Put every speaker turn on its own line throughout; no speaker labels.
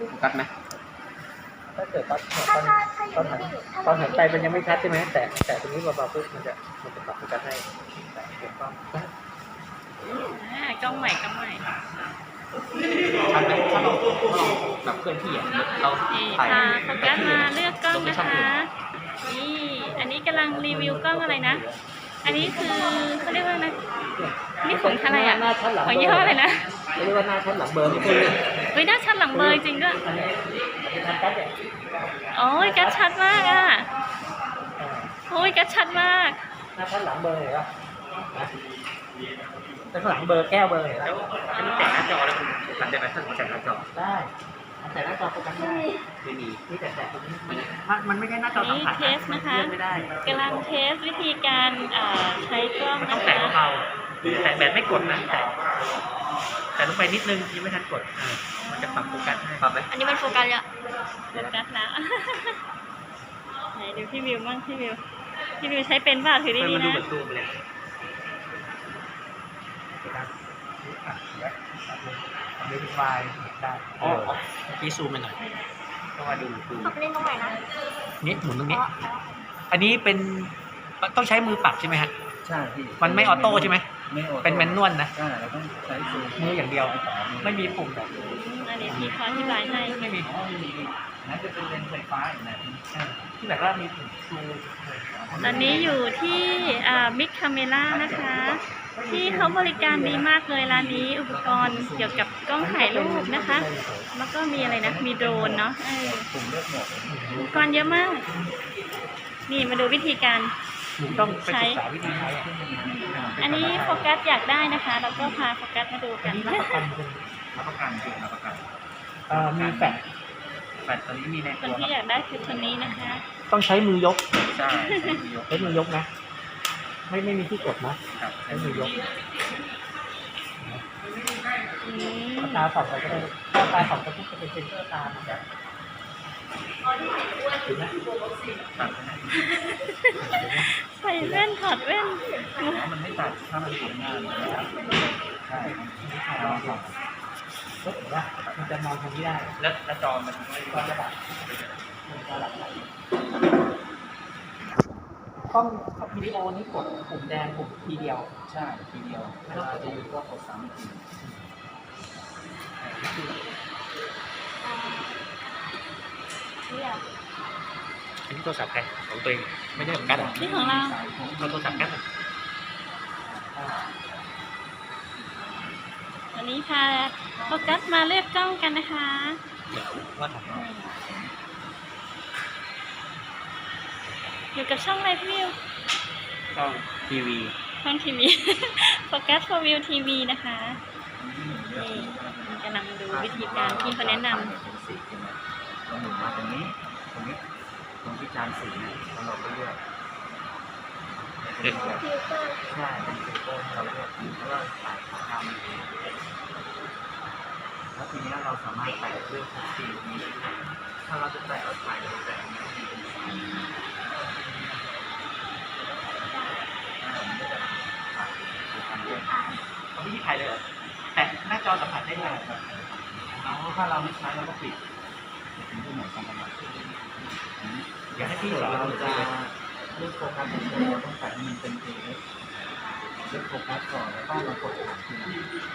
โฟกัสไหมถ้าเกิดตอนหันไปมันยังไม่ชัดใช่ไหมแต่ตรงนี้เบาๆปุ๊บมันจะปรับโฟกัสให้แต่ถูกต้อง
กล้องใหม่ชัดไหม
ถ้าเราแบบเคลื่อนที่เราถ่าย
โฟกัสมาเลือกกล้องนะคะนี่อันนี้กำลังรีวิวกล้องอะไรนะอันนี้คือเขาเรียกว่านะนี่ของอะไรอ่ะของยี่ห้ออะไรนะ
เรียกว่าหน้าชัดหลังเบอร์นี่คือ
เฮ้ยหน้าชัดหลังเบอร์จริงด้วยโอ้ยกัดชัดมากอ่ะโอ้ยกัดชัดมาก
หน้าชัดหลังเบอร์เหรอแต่ข้างหลังเบอร์แก้วเบอร์เหรอจะมีแต่หน้าจอแล้วคุณหลังได้ไหมถ้าผมแต่หน้าจอได้แต่หน้าจอโฟกัสได้ไม่มีที่แต่ตรงนี้มันไม่ใช่หน้าจอสัมผัส
เทสนะคะกำลังเทสวิธีการใช้กล้องนะคะ
แต่เบาแต่แบบไม่กดนะแต่ลงไปนิดนึงยังไม่ทันกดมันจะปรับโฟกัสให้ปรับไหม
อันนี้มันโฟกัสแล้วโฟกัสแล้วไหนดูพี่วิวมั่งพี่วิวใช้เป็นป่ะถือดีๆนะ
ดูไฟล์ได้เมื่อกี้ซูมไปหน่อยต้องมาดู
เล่นตรงไหนนะ
นี่หมุนตรงนี้อันนี้เป็นต้องใช้มือปรับใช่ไหมฮะใช่พี่มันไม่ออโต้ใช่ไหมไม่ออโต้เป็นแมนนวลนะใช่เราต้องใช้มืออย่างเดียวไม่มีปุ่มแบบ
อันนี้พี่ขออธิบายให้
ไม่มีนั่นจะเป็นเลนส์ไฟฟ้าอย่างนั้นที่แบบว่ามีปุ่มซูม
ตอนนี้อยู่ที่มิกคาเมล่านะคะที่เขาบริการดีมากเลยร้านนี้อุปกรณ์เกี่ยวกับกล้องถ่ายรูปนะคะแล้วก็มีอะไรนะมีโดรนเนาะอุปกรณ์เยอะมากนี่มาดูวิธีการใช้อันนี้โฟกัสอยากได้นะคะแล้วก็พาโฟกัสมาดูกัน
รับประกันมีแฟลชตอนนี้มีใน
คนที่อยากได้คือคนนี้นะคะ
ต้องใช้มือยกใช่ใช้มือยกนะไม่มีที่กดนะใช้มือยกตาสองไปก็ได้ตาสองก็จะเป็นเซนเซอร์ตานะครับ
ใส่แว่นถอดแว่น
มันไม่ตัดถ้ามันทำงานใช่ลองส่องก็ถือว่ามันจะมองทางนี้ได้แล้วจอมันก็จะดับกล้องวิดีโอนี้กดปุ่มแดงปุ่มทีเดียวใช่ทีเดียวไม่ต้องกดจะอยู่ก็กดซ้ำทีอันนี้โทรศัพท์ใครของตัวเองไม่ใช่ของกั๊ด
นี่ของเรา
โทรศัพท์กั๊ด
วันนี้ค่ะโฟกัสมาเลือกกล้องกันนะคะ
ว่าของเรา
อยู่กับช่องอะไรพี่วิว
ช่องทีวี
โฟกัสfor view TV นะคะนี่กำลังดูวิธีการที่เขาแนะนำ
เราหมุนมาตรงนี้ตรงที่จานสีเราก็เลือกใช่เป็นฟิลเตอร์เราเลือกแล้วก็ใส่ทำแล้วทีนี้เราสามารถใส่เลือกสีนี้ถ้าเราจะใส่เอาใส่แต่เขาไม่มีใครเลยเหรอแต่หน้าจอสัมผัสได้เลยถ้าเราไม่ใช้เราก็ปิดถึงจะเหมือนกันอยากให้พี่เราจะเลือกโฟกัสเราต้องใส่ให้มันเป็นเลือกโฟกัสก่อนแล้วก็มากดถ่ายทีหลัง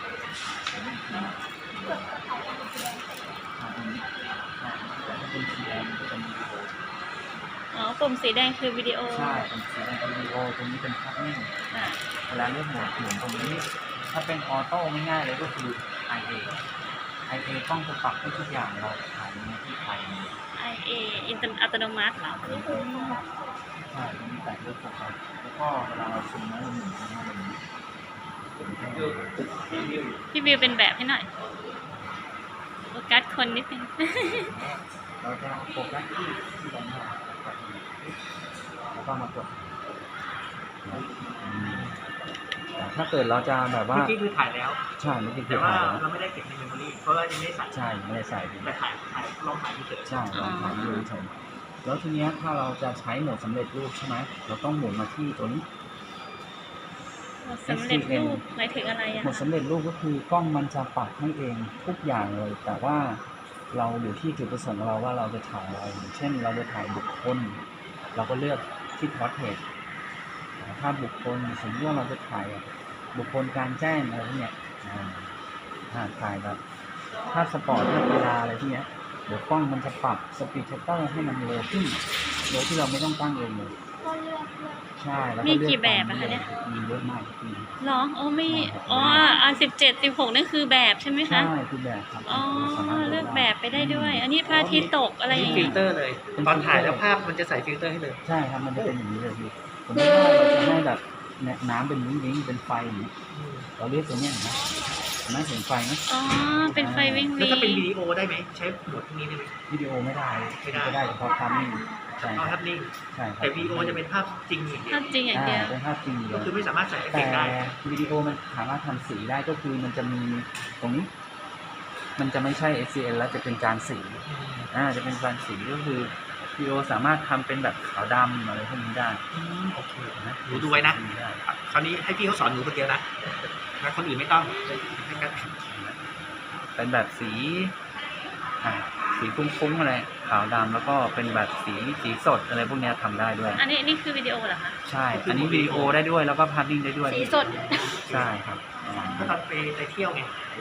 เป็นสีแดงจะเป็นวิดีโอ
ปุ่มสีแดงคือวิดีโอ
ใช่เป็นสีแดงเป็นวิดีโอตรงนี้เป็นภาพนิ่งเวลาเลือกโหมดหมุนตรงนี้ถ้าเป็นออโต้ง่ายๆเลยก็คือ IA ต้องจะปรับให้ทุกอย่างเราถ่ายในที่ไทย
IA อัตโนมัติเหรอ
ใช่มีแต่เลือกโฟกัสแล้วก็เวลาเราซูมแล้วหมุน
พี่วิวเป็นแบบให้หน่อยโฟกัสคนนิดนึง
เราจะโฟกัสที่ตรงนี้แล้วก็มากดถ้าเกิดเราจะแบบว่าเมื่อกี้คือถ่ายแล้วใช่เมื่อกี้คือถ่ายแล้วเราไม่ได้เก็บในเมมโมรี่เพราะว่ายังไม่ได้ใส่ใช่ไม่ได้ใส่แต่ถ่ายลองถ่ายเฉยใช่ลองถ่ายดูเฉยแล้วทีนี้ถ้าเราจะใช้โหมดสำเร็จรูปใช่ไหมเราต้องหมุนมาที่ตัวนี้
สำเร็จรูปหมายถึงอะไรอ่ะ
โหมดสำเร็จรูปก็คือกล้องมันจะปรับให้เองทุกอย่างเลยแต่ว่าเราอยู่ที่จุดประสงค์ของเราว่าเราจะถ่ายอะไรอย่างเช่นเราจะถ่ายบุคคลเราก็เลือกที่พอร์เทรตภาพบุคคลสมมติว่าเราจะถ่ายบุคคลกลางแจ้งอะไรพวกเนี้ยถ่ายแบบภาพสปอร์ตภาพกีฬาอะไรพวกเนี้ยเดี๋ยวกล้องมันจะปรับสปีดชัตเตอร์ให้มันเร็วขึ้นโดยที่เราไม่ต้องตั้งเองเลยใช่แล้วก็
มี
เลือก
กี่แบบอะคะเนี่ย
มีเยอะมากมี
เหรอโอ้ไม่อ๋อ17 16นั่นคือแบบใช่ไหมคะ
ใช่คือแบบครับ
อ๋อ
สามารถ
เลือกแบบไปได้ด้วย อันนี้พระอาทิตย์ตกอะไรอย่าง
ฟิ
งี้
ลเตอร์เลย ตอนถ่ายแล้วภาพมันจะใส่ฟิลเตอร์ให้เลย
ใช่ครับมันจะเป็นอย่างนี้เลยพี่ผมไม่ว่าเราจะให้แบบเนี่ยน้ำเป็นวิ้งๆเป็นไฟอย่างนี้เราเรียกตัวเนี้ยนะเห็นไหมเห็นไฟไหม
อ๋อ เป็นไฟวิ่ง
แล้ว
วิ่
ถ้าเป็น
ง
วิดีโอได้ไหมใช้โหมดพวกนี้ได้ไหม
วิดีโอไม่ได้
ไม่ได้
ก็ได้เฉพาะภาพนิ่งใช่
เอาภาพนิ่ง
ใช่ครับ
แต่วิดีโอจะเป็นภาพจริงอย่างเดีย
ภาว พจริงอย่างเดียว
เป็นภาพจริงเล
ก็
ย
คือไม่สามารถใส่เอฟเฟ
แต่
กต์ได้
วิดีโอมันสามารถทำสีได้ก็คือมันจะมีตรงนี้ มันจะไม่ใช่ SCN แล้วจะเป็นจานสีจะเป็นจานสีก็คือวิดีโอสามารถทำเป็นแบบขาวดำอะไรพวกนี้ได้
โอเค
นะ
หนูดูไว้นะ
ได้
คราวนี้ให้พี่เขาสอนหนูคนเดียวนะแล้วคนอื่นไม่ต้องให้กัน
เป็นแบบสีสีฟุ้งๆอะไรขาวดำแล้วก็เป็นแบบสีสดอะไรพวกเนี้ยทำได้ด้วย
อันนี้คือวิดีโอเหรอคะ
ใช่ อันนี้วิดีโอได้ด้วยแล้วก็ภาพนิ่งได้ด้วย
สีสด
ใช่ครับ
ก็ตอนไปเที่ยวไง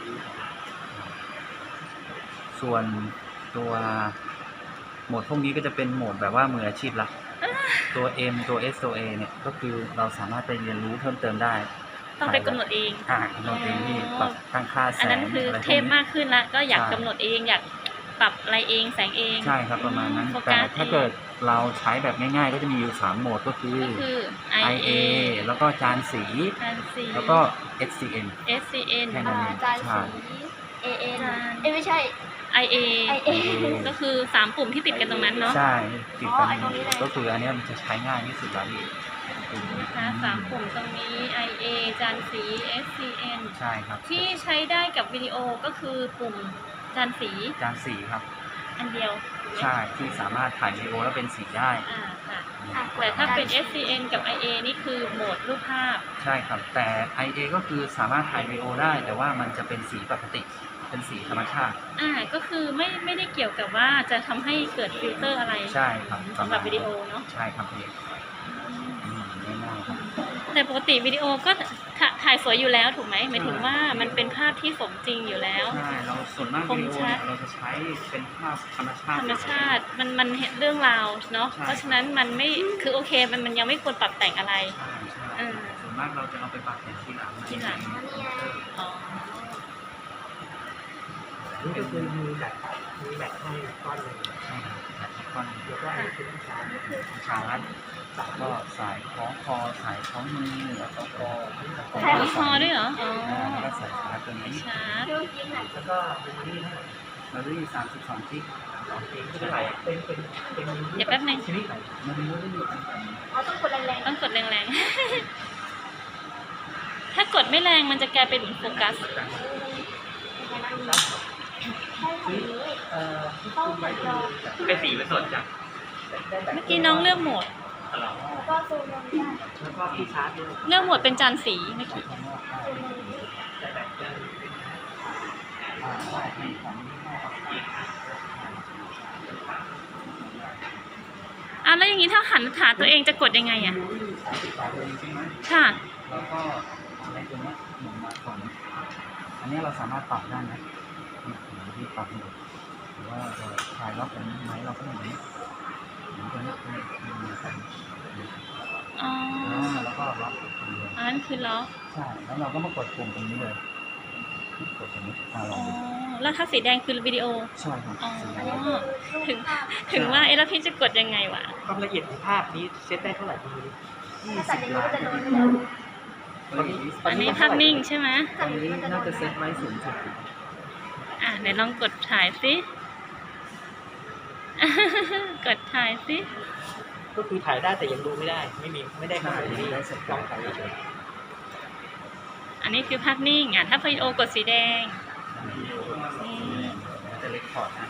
ส่วนตัวโหมดพวกนี้ก็จะเป็นโหมดแบบว่ามืออาชีพละตัว M ตัว S ตัว A เนี่ยก็คือเราสามารถไปเรียนรู้เพิ่มเติมได้
ต้องไปกำหนดเอง
กำหนดเองที่ปรับตั้งค่าแส
อัน
ง
นั้นคือ
อะไรพ
เท
วก
พ
นี้
มากขึ้นละก็อยาก
ใช่
กำหนดเองอยากปรับอะไรเองแสงเอง
ใช่ครับประมาณนั้น
โฟ
แต่
กัส
ถ้าเกิดเราใช้แบบง่ายๆ ก็จะมีอยู่3โหมดก็คือ
ก็คือ
IA แล้วก็จานสี
การสี
แล้วก็ SCN
SCN
แค่นั้นเอง
จาน
ใช่
สี AN
จาน
ไม่ใช่
IA
IA
ก็คือ3ปุ่มที่ติดกันตรงนั้นเนาะ
ใช่ติดกัน
ไอ้ตรงนี้เลย
ก็คืออันเนี้ยมันจะใช้ง่ายที่สุดแล้วพี่
นะคะ3ปุ่มตรงนี้ IA จานสี SCN
ใช่ครับ
ที่ใช้ได้กับวิดีโอก็คือปุ่มจานสี
จานสีครับ
อันเดียว
ใช่ที่สามารถถ่ายวิดีโอแล้วเป็นสีได้
ค่ะ
อ่ะ
แต่ถ้าเป็น SCN กับ IA นี่คือโหมดรูปภาพ
ใช่ครับ แต่ IA ก็คือสามารถถ่ายวิดีโอได้ แต่ว่ามันจะเป็นสีปกติ เป็นสีธรรมชาติ
ก็คือไม่ได้เกี่ยวกับว่าจะทำให้เกิดฟิลเตอร์อะไร
ใช่ครับ
สำหรับวิดีโอเนาะ
ใช่ครับพี่ง่ายๆครับ
แต่ปกติวิดีโอก็ถ่ายสวยอยู่แล้วถูกไหมหมายถึงว่ามันเป็นภาพที่สมจริงอยู่แล้ว
ใช่เราส่วนมาก
คม
วิดีโอ
ชั
เนี่
ด
ยเราจะใช้เป็นภาพธรรมชาติ
ธรรมชาติมันเห็นเรื่องราวเนาะ
ใช่
เพราะฉะนั้นมันไม่คือโอเคมันยังไม่ควรปรับแต่งอะไร
ใช่ใช่
เออ
ส่วนมากเราจะเอาไปปรับแต่งทีหลัง
ทีหลัง อ๋อ
นี่ก็คือมีแบตให้ก้อนหนึง
ใช่ครับแต่ละก้อน
แล้วก็อันนี้คือชาร์จ
ชาร์จก็สายคล้องคอสายคล้องมือแล้วก็คอ
ใช้คอด้วยเหรอ อ๋อ
แล้วก็สายชาร์จตัวนี้
ชาร์จ
ดูจริงอ่ะ
แล้วก็เป็นนี่ให้
เราได้32กิก
2 กิกไม่เป็นไรเป็น
เดี๋ยวแป๊บนึง
ชนิดไหน
มันไม่ได้อยู่อันไหน
เราต้องกดแรง
ต้องกดแรงๆ ถ้ากดไม่แรงมันจะกลายเป็นโฟกัส
ๆใช่ของนี้ต้องกดจอ
เป็นสีเป็นสดจ้ะ
เมื่อกี้น้องเลือกโหมด
แล้วก็ซูมลงได้
แล้วก็ที่ชาร์จด้วย
เลือกโหมดเป็นจานสีเมื่อกี้
ซูมลงนี้
แต่แบตจะ
แล้วอย่างนี้ถ้าหันขาตัวเองจะกดยังไงอ่ะ
จริงไหม
ค่ะ
แล้วก็ในตัวนี้หมุนมาก่อนอันนี้เราสามารถปรับได้นะที่ปรับอยู่หรือว่าเราคลายล็อกอันนี้ไหมเราก็หมุนหมุนตัวนี้มีใส่
อ๋อ
แล้วก็ล็อกตรงนี้
อันนั้นคือล็อก
ใช่ แล้วเราก็มากดปุ่มตรงนี้เลย กดตรงนี้ล
อ๋
อง
อ
ดู
แล้วถ้าสีแดงคือวิดีโอ
ใช่ครับ
อ๋อ
สีแด
อัน
ง
นี้คือรู
ถึ
ป
ง
ภาพ
ถึงว่าแล้วพี่จะกดยังไงวะ
ความละเอียดของภาพนี้เซตได้เท่าไหร่คุณดูดิ
ถ้าตัดอย่างนี้ก็จะโดนไปแล้ว
อันนี้ภาพนิ่งใช่ไหม
ตอนนี้น่าจะเซตไว้สูงสุด
เดี๋ยวลองกดถ่ายสิ กดถ่ายสิ
ก็คือถ่ายได้แต่ยังดูไม่ได้ ไม่ได้ข้อ
ใช่
มูลที่
ได้เสร็จ
ลองถ่ายเฉย
อันนี้คือภาพนิ่งถ้าวิดีโอกดสีแดง
จะเล็กพอร์ตนะ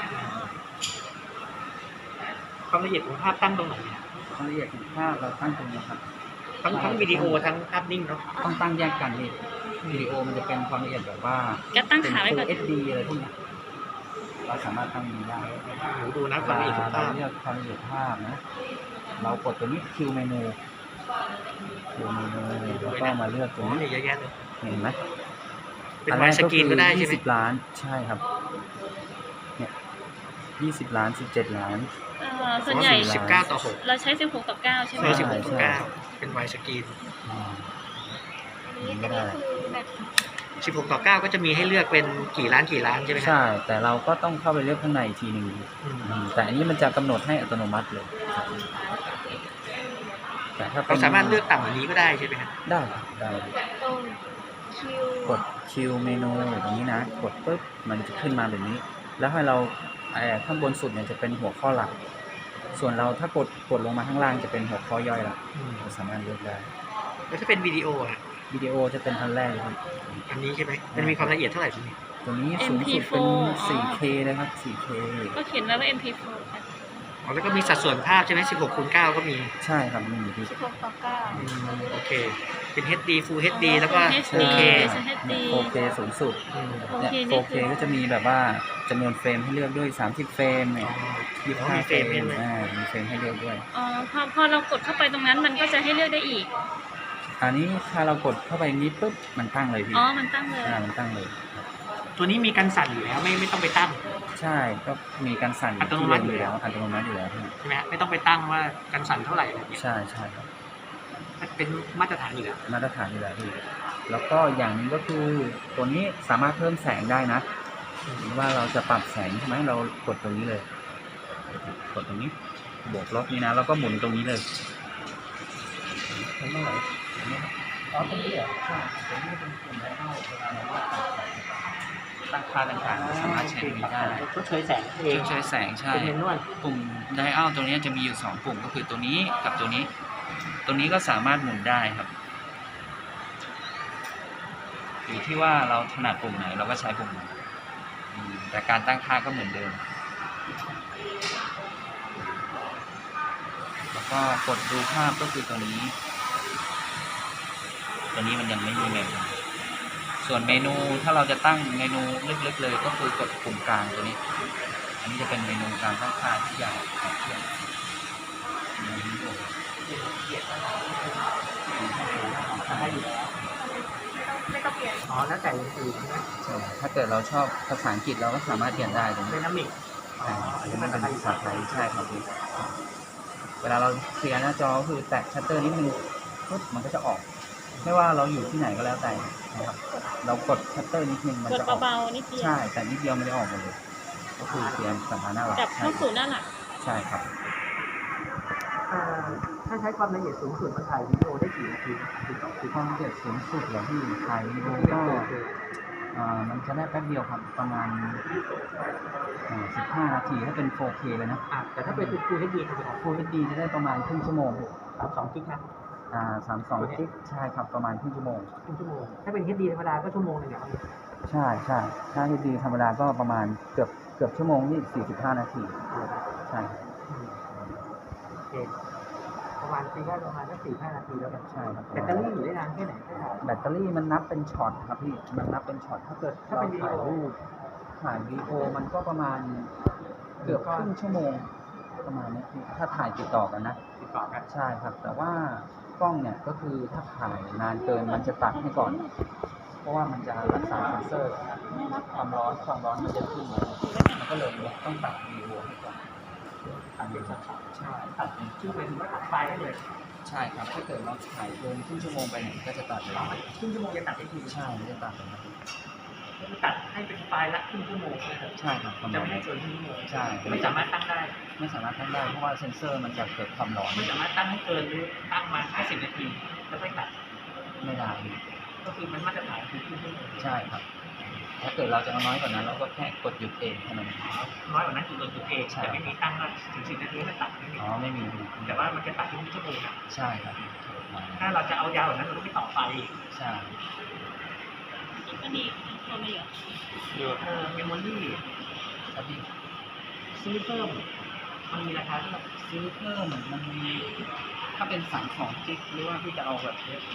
ความละเอียดของภาพตั้งตรงไหนเนี่ย
ความละเอียดของภาพเราตั้งตรงนี้ครับ
ทั้งวิดีโอทั้งภาพนิ่งเนาะ
ต้องตั้งแยกกันนี่วิดีโอมันจะเป็นความละเอียดแบบว่า
ก็ตั้งขาไว้ก่อน
เป็น Full HD อะไรพวกนี้เราสามารถตั้งนี้ได้
หนูดูนะความละเอียดของภา
เรา
พ
เลือกความละเอียดภาพนะ เรากดตัวนี้คิวเมนูแล้วก็มาเลือก
โอ้
ตัวนี้
เนี่ยเยอะแยะเลย
เห็นไหม
เป็นไวด์สกรีนก็ได้ใช่ไหม
20 ล้านใช่ครับเนี่ย20 ล้าน17 ล้าน
ส่วนใหญ่
19:6
เราใช้16ต่อ9ใช่ไหม
ใช่
ใช่
16:9เป็นไวด์สกรีน
อ่า
นี่ก็คือแบบ
16:9ก็จะมีให้เลือกเป็นกี่ล้านใช่ไหมครับ
ใช่แต่เราก็ต้องเข้าไปเลือกข้างในอีกทีหนึ่ง
อืม
แต่อันนี้มันจะกำหนดให้อัตโนมัติเลยแต่ถ้าป็
เรา
น
สามารถเลือกต่ำกว่านี้ก็ได้ใช่ไหมครับ
ได้ครับได้
ตรงคิว
กดคิวเมนูอย่างนี้นะ กดปุ๊บมันจะขึ้นมาแบบนี้ แล้วให้เราข้างบนสุดเนี่ยจะเป็นหัวข้อหลัก ส่วนเราถ้ากดลงมาข้างล่างจะเป็นหัวข้อย่อยละเราสามารถเลือกได้
แล้วถ้าเป็นวิดีโออ่ะ
วิดีโอจะเป็นอันแรกเลยครับ
อันนี้ใช่ไหมมันมีความละเอียดเท่าไหร่พี่
ตัวนี้สูงสุดเป็น 4K เลยครับ 4K
ก็เขียนแล้วว่า MP4
อ๋อแล้วก็มีสัดส่วนภาพใช่ไหม16:9ก็มี
ใช่ครับมีที่
16ต่อ9
โอเค เป็น HD Full HD แล้วก็
HD
4K
HD
4K สูงสุด
อืม
เนี่ย
4K นี่คือ
4K ก็จะมีแบบว่าจำนวนเฟรมให้เลือกด้วย30 เฟรมเนี่ย
มี
25
เฟ
เฟ
ร
ร
ม
ม
ให้ด้วย
มีเฟรมให้เลือกด้วย
อ๋อพอเรากดเข้าไปตรงนั้นมันก็จะให้เลือกได้อีก
อันนี้ถ้าเรากดเข้าไปนี้ปุ๊บมันตั้งเลยพี่
อ๋อ มันตั้งเลย
มันตั้งเลยครับ
ตัวนี้มีกันสั่นอยู่แล้วไม่ต้องไปตั้ง
ใช่ก็มีการสั่น
อัตโนมัติอยู่แล้ว
อัตโนมัติอยู่แล้วพี่
ใช่ไหมฮะไม่ต้องไปตั้งว่ากันสั่นเท่าไหร่อะไรเงี้ย
ใช่ใช่ครับ
เป็นมาตรฐานอยู่แล้ว
มาตรฐานอยู่แล้วพี่แล้วก็อย่างหนึงก็คือตัวนี้สามารถเพิ่มแสงได้นะหรือว่าเราจะปรับแสงใช่ไหมเรากดตรงนี้เลย กดตรงนี้บวกลบนี้นะแล้วก็หมุนตรงนี้เลยเมื่อไหร่อ๋อตรงนี้เหรอใช่ตรงนี้เป็นปุ่มไดอัลเวลาเราตั้งค่าต่างๆสามารถใช้ตรงนี้ได้
ก็เฉยแสงเอง
ใช้แสงใช่
เป็นเมนวล
ปุ่มไดอัลตัวนี้จะมีอยู่2ปุ่มก็คือตัวนี้กับตัวนี้ ตัวนี้ก็สามารถหมุนได้ครับอยู่ที่ว่าเราถนัดปุ่มไหนเราก็ใช้ปุ่มนั้นแต่การตั้งค่าก็เหมือนเดิมแล้วก็กดดูภาพก็คือตัวนี้มันยังไม่มีเมนูส่วนเมนูถ้าเราจะตั้งเมนูลึกๆเลยก็คือกดปุ่มกลางตัวนี้ อันนี้จะเป็นเมนูการตั้งค่าที่ใหญ่ของเครื่อง
ไม่ต้องเปลี่ยน
อ๋อแล้วแต่อย่างอื่นใช่ไหม
ใช่ถ้าเกิดเราชอบภาษาอังกฤษเราก็สามารถเปลี่ยนได้ตรง
เด
นี้
นามิก
อันนี้มันเป็นภาษาไทยใช่ครับพี่เวลาเราเคลียร์หน้าจอก็คือแตะชัตเตอร์นิดนึงปุ๊บมันก็จะออก ไม่ว่าเราอยู่ที่ไหนก็แล้วแต่นะครับเรากดชัตเตอร์นิดนึงมัน
กด
จะออก
เบาๆนิดเดียว
ใช่แต่นิดเดียวมันจะออกหมดเลย ก็คือเคลียร์สถานะหลัก
กลับเข้าสู่หน้าหลัก
ใช่ครับ
ถ้าใช้ความละเอียดสูงสุดมันถ่ายวิดีโอได้กี่นาทีคือ
ความละเอียดสูงสุดเหรอพี่ถ่ายวิดีโอก็มันจะได้แป๊บเดียวครับประมาณ15 นาทีถ้าเป็น 4K เลยนะ
แต่ถ้าเป็น Full HD จะเป็น
Full HD จะได้ประมาณครึ่งชั่วโมง
32กิกนะ
32 กิกใช่ครับประมาณครึ่งชั่วโมง
ครึ่งชั่วโมงถ้าเป็น HD ธรรมดาก็ชั่วโมงนึงเนี่ย
ใช่ใช่ถ้า HD ธรรมดาก็ประมาณเกือบชั่วโมงนี่45 นาทีใช่ครับ
โอเคประมาณตีได้ประมาณสัก4-5 นาทีแล้วกัน
ใช่ครับ
แบตเตอรี่อยู่ได้นานแค่ไหน
แบตเตอรี่มันนับเป็นช็อตครับพี่มันนับเป็นช็อตถ้าเกิดเราถ่ายรูปถ่ายวีดีโอมันก็ประมาณเกือบครึ่งชั่วโมงประมาณนี้พี่ถ้าถ่ายติดต่อกันนะ
ติดต่อกัน
ใช่ครับ แต่ว่ากล้องเนี่ยก็คือถ้าถ่ายนานเกินมันจะตัดให้ก่อน เพราะว่ามันจะรักษาเซนเซอร์ความร้อนมันจะขึ้นมามันก็เลยต้องตัดวีดีโอให้ก่อน
ตัดเป็นช็อต
ใช่
ๆตัดชื่อไปถึงว่าตัดไฟล์ได้เลย
ใช่ครับถ้าเกิดเราถ่ายเกินครึ่งชั่วโมงไปเนี่ยก็จะตัดเลย
ครึ่งชั่วโมงจะตัดได้ที
ใช่มันจะตัดเลยครับ
คือตัดให้เป็นไฟล์ละครึ่งชั่วโมงนะครับ
ใช่ครับประ
จะ
มาณ
ไม่ให้
นั้น
เกินครึ่งชั่วโมง
ใช่
ไม่สามารถตั้งได้
ไม่สามารถตั้งได้เพราะว่าเซนเซอร์มันจะเกิดความร้อน
ไม่สามารถตั้งให้เกินหรือตั้งมา50 นาทีแล้วค่อยตัด
ไม่ได้
ก็คือมันมาตรฐานคือครึ่งชั่วโมง
ใช่ครับ ถ้าเกิดเราจะเอาน้อยกว่านั้นเราก็แค่กดหยุดเองเท่านั้น
น้อยกว่านั้นคือตัวเองแต่ไม่มีตั้งว่าถึง10 นาทีไม่ตัดไม่มี
อ๋อไม่มี
แต่ว่ามันจะตัดทุกชั่วโมงอะ
ใช่ครับ
ถ้าเราจะเอายาวกว่านั้นเราก็ไม่ต่อไฟ
ใช่
ก็ดีตัวไม่เยอะ
เมมโมรี่
ครับพี่
ซื้อเพิ่มมันมีราคาเท่าไหร่
ซื้อเพิ่มมันมีถ้าเป็น32 กิกหรือว่าพี่จะเอาแบบเล็ก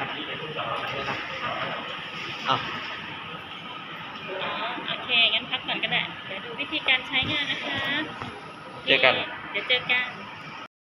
อ่ะ
อ๋อโอเค งั้นพักก่อนก็ได้ เดี๋ยวดูวิธีการใช้งานนะคะ
เจอกัน
เดี๋ยวเจอกัน